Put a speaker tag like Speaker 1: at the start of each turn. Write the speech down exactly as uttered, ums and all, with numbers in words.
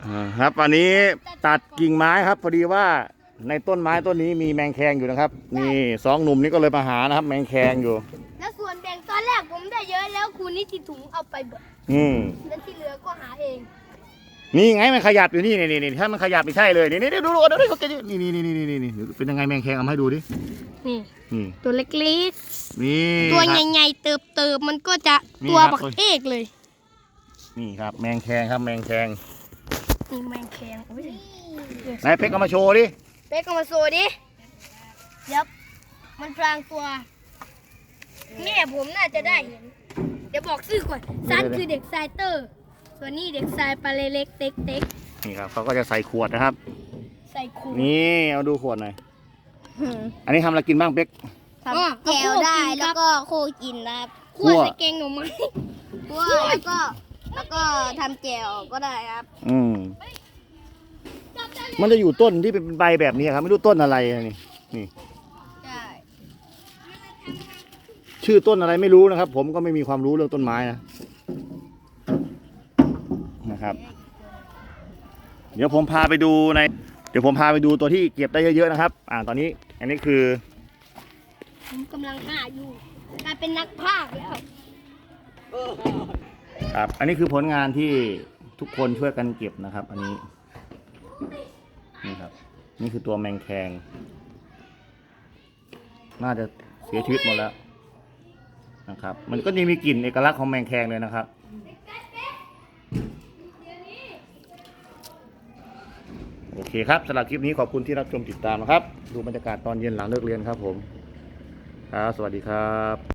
Speaker 1: อ่าครับวันนี้ตัดกิ่งไม้ครับพอดีว่าในต้นไม้ต้นนี้มีแมงแคงอยู่นะครับนี่สองหนุ่มนี้ก็เลยมาหานะครับ แมงแคงอยู่
Speaker 2: แล้วส่วนแบ่งตอนแรกผมได้เยอะแล้วคุณนิติถุงเอาไปหมด
Speaker 1: อืม
Speaker 2: แล้วที่เหลือก็หาเอง
Speaker 1: นี่ไงมันขยับอยู่นี่นี่นี่ถ้ามันขยับไม่ใช่เลยนี่นี่ดูดูดูดูเขาจะนี่นี่นี่นี่นี่นี่เป็นยังไงแมงแคงเอามาให้ดูดิ
Speaker 2: นี่
Speaker 1: นี่
Speaker 2: ตัวเล็ก
Speaker 1: นี่
Speaker 2: ๆตัว
Speaker 1: ครับ
Speaker 2: ใหญ่ๆเติบๆมันก็จะ
Speaker 1: นี่
Speaker 2: ตัว
Speaker 1: ครับ
Speaker 2: บักเอกเลย
Speaker 1: นี่ครับแมงแคงครับแมงแคง
Speaker 2: นี่แมงแคงโอ้ย
Speaker 1: นายเพชรเอามาโชว์ดิ
Speaker 2: เป๊กเอามาโซดิยับมันพรางตัวแม่ผมน่าจะได้เห็นเดี๋ยวบอกชื่อก่อนซันคือเด็กทรายเตอร์ส่วนนี้เด็กทรายปลาเล็กๆเต็ก
Speaker 1: นี่ครับเขาก็จะใส่ขวดนะครับ
Speaker 2: ๆใส่คู
Speaker 1: นี่เอาดูขวดหน่อยอันนี้ทำอะไรกินบ้างเป๊ก
Speaker 2: ทำแก้วได้แล้วก็โคกินนะครับ
Speaker 1: คั่
Speaker 2: คั่ว
Speaker 1: ว
Speaker 2: ใส่แกงหน่อไม้
Speaker 3: คั่วแล้วก็แล้วก็ทำแจ่วก็ได้ครับ
Speaker 1: อืมมันจะอยู่ต้นที่เป็นใบแบบนี้ครับไม่รู้ต้นอะไรนี่นี่
Speaker 3: ใช่
Speaker 1: ชื่อต้นอะไรไม่รู้นะครับ ผมก็ไม่มีความรู้เรื่องต้นไม้นะนะครับ เดี๋ยวผมพาไปดูใน เดี๋ยวผมพาไปดูตัวที่เก็บได้เยอะๆนะครับ อ่าตอนนี้ อันนี้คือ
Speaker 2: ผมกำลังหาอยู่กลายเป็นนักพากย์แล้ว
Speaker 1: ครับ อันนี้คือผลงานที่ทุกคนช่วยกันเก็บนะครับ อันนี้นี่ครับ นี่คือตัวแมงแคงน่าจะเสียชีวิตหมดแล้วนะครับ มันก็ยังมีกลิ่นเอกลักษณ์ของแมงแคงเลยนะครับ โอเคครับสำหรับคลิปนี้ขอบคุณที่รับชมติดตามนะครับ ดูบรรยากาศตอนเย็นหลังเลิกเรียนครับผมครับสวัสดีครับ